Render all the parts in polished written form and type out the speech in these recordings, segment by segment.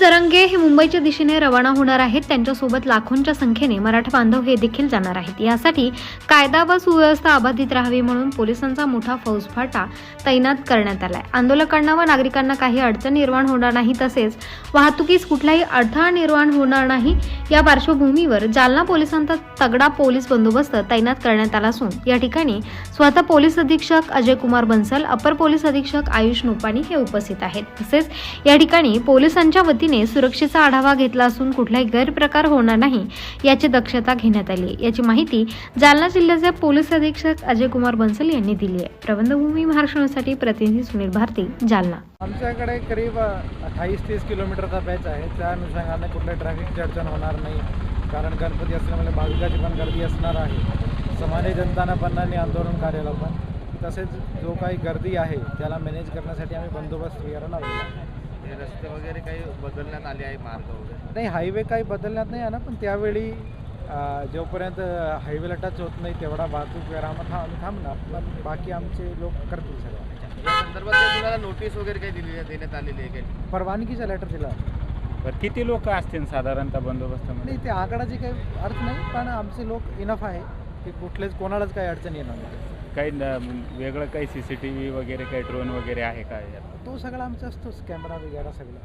जरांगे हे मुंबईच्या दिशेने रवाना होणार आहेत। त्यांच्यासोबत लाखोंच्या संख्येने मराठा बांधव हे देखील जाणार आहेत। यासाठी कायदा व सुव्यवस्था अबाधित राहावी म्हणून पोलिसांचा मोठा फौजफाटा तैनात करण्यात आलाय। आंदोलकांना व नागरिकांना काही अडचण निर्माण होणार नाही, तसेच वाहतुकीस कुठलाही अडथळा निर्माण होणार नाही। या पार्श्वभूमीवर जालना पोलिसांचा तगडा पोलीस बंदोबस्त तैनात करण्यात आला असून या ठिकाणी स्वतः पोलीस अधीक्षक अजय कुमार बन्सल, अपर पोलीस अधीक्षक आयुष नोपानी हे उपस्थित आहेत। तसेच या ठिकाणी पोलिसांच्या वतीने सुरक्षेचा आढावा घेतला असून कुठलाही गैरप्रकार होणार नाही याची दक्षता घेण्यात आली आहे। याची माहिती जालना जिल्ह्याचे पोलीस अधीक्षक अजय कुमार बन्सल यांनी दिली आहे। प्रबंधभूमी महाराष्ट्रासाठी प्रतिनिधी सुनील भारती, जालना। आमच्याकडे करीब 28-30 किलोमीटरचा पॅच आहे। त्या अनुषंगाने कुठल्याही ट्रॅफिकची अडचण होणार नाही, कारण गणपती असल्यामुळे भाविकाची पण गर्दी असणार आहे। सामान्य जनताना पण आणि आंदोलन कार्याला पण, तसेच जो काही गर्दी आहे त्याला मॅनेज करण्यासाठी आम्ही बंदोबस्त वगैरे लावलेला आहे। रस्ते वगैरे काही बदलण्यात आले आहे, मार्ग वगैरे नाही, हायवे काही बदलण्यात नाही आहे ना, पण त्यावेळी जोपर्यंत हायवेला टच होत नाही तेवढा वाहतूक विरामात आम्ही थांबणार, पण बाकी आमचे लोक करतील सगळं। या संदर्भात तुम्हाला नोटीस वगैरे काही देण्यात आलेली आहे काही? परवानगीचा लेटर दिला। बरं, किती लोक असतील साधारणतः बंदोबस्तामध्ये? नाही, ते आकडाची काही अर्थ नाही, पण आमचे लोक इनफ आहे की कोणालाच काही अडचण येणार नाही। काही वेगळं काही CCTV वगैरे, काही ड्रोन वगैरे आहे का यात? तो सगळं आमचा असतोच, कॅमेरा वगैरे सगळं।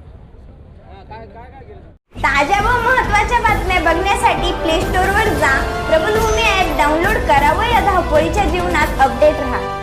ताज्या व महत्त्वाच्या बातम्या बघण्यासाठी प्ले स्टोअरवर जा, प्रबंधभूमी ॲप डाउनलोड करा व या धावपळीच्या जीवनात अपडेट रहा।